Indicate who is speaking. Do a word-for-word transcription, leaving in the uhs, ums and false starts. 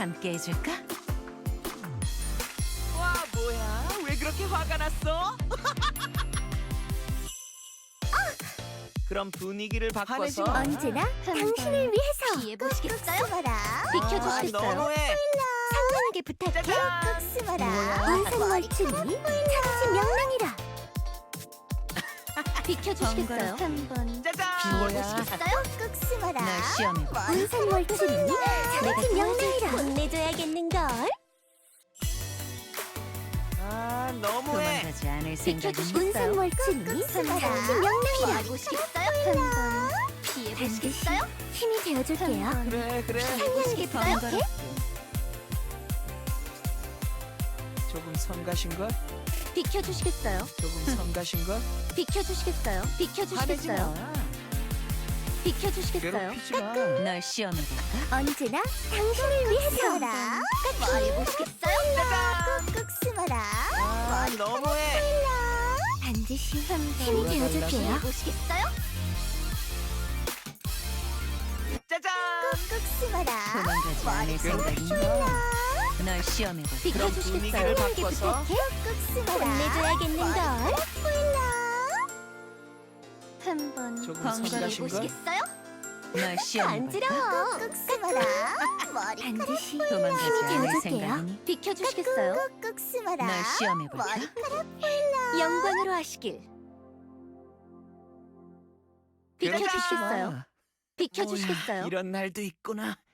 Speaker 1: 함께 해줄까?
Speaker 2: 와, 뭐야? 왜 그렇게 화가 났어? 그럼 분위기를 바꿔서
Speaker 3: 언제나 당신을 위해서
Speaker 4: 피해 보시겠어요?
Speaker 3: 꾹 숨어라.
Speaker 4: 비켜주시겠어요?
Speaker 2: 아, 너무해.
Speaker 3: 상냥하게 부탁해.
Speaker 2: 짜잔.
Speaker 3: 꾹 숨어라.
Speaker 4: 뭐야?
Speaker 3: 인상멀춤이 차지 명랑이라.
Speaker 4: 비켜주시겠어요?
Speaker 3: 한번
Speaker 2: 짜잔.
Speaker 4: 보시겠어요?
Speaker 3: 꾹 숨어라.
Speaker 1: 날 시험해봐.
Speaker 3: 인상멀춤이 차지 명랑이라. 혼내줘야겠는걸.
Speaker 2: 아, 너무해.
Speaker 1: 도망가지 않을 생각이니?
Speaker 4: 비켜주시겠어요?
Speaker 3: 인상멀춤이 차지 명랑이라.
Speaker 4: 보시겠어요?
Speaker 3: 한번
Speaker 4: 피해 보시겠어요?
Speaker 3: 힘이 되어줄게요.
Speaker 2: 그래, 그래.
Speaker 3: 상냥하게 부탁해.
Speaker 2: 조금 성가신 걸?
Speaker 4: 비켜주시겠어요?
Speaker 2: 조금 성가신 걸?
Speaker 4: 비켜주시겠어요?
Speaker 2: 화내지
Speaker 4: 비켜주시겠어요?
Speaker 2: 마.
Speaker 4: 비켜주시겠어요?
Speaker 2: 괴롭히지 마.
Speaker 1: 널 시험해볼까?
Speaker 3: 언제나 당신을 위해서.
Speaker 4: 말해보시겠어요?
Speaker 2: 짜잔.
Speaker 3: 꾹꾹 숨어라.
Speaker 2: 아, 너무해.
Speaker 3: 반드시 힘이
Speaker 2: 돌아달라고.
Speaker 3: 되어줄게요.
Speaker 4: 보시겠어요?
Speaker 2: 짜잔.
Speaker 3: 꾹꾹 숨어라.
Speaker 1: 도망가지 않을 생각이니? 널 시험해볼까?
Speaker 2: 그럼 분위기를
Speaker 4: 비켜주시겠어요?
Speaker 2: 바꿔서
Speaker 3: 꾹꾹 숨어라. 혼내줘야겠는걸. 한번
Speaker 2: 조금
Speaker 1: 번거로워
Speaker 2: 성가신 걸?
Speaker 4: 보시겠어요?
Speaker 1: 널 시험해볼까?
Speaker 3: 간지러워. 꾹꾹 숨어라. 반드시
Speaker 1: 도망가지
Speaker 3: 힘이
Speaker 1: 않을
Speaker 3: 되어줄게요.
Speaker 1: 생각이니?
Speaker 4: 비켜주시겠어요?
Speaker 3: 꾹꾹 숨어라.
Speaker 1: 널 시험해볼까?
Speaker 4: 영광으로 하시길.
Speaker 2: 그러지
Speaker 4: 비켜주시겠어요?
Speaker 2: 마.
Speaker 4: 비켜주시겠어요?
Speaker 2: 뭐야, 이런 날도 있구나.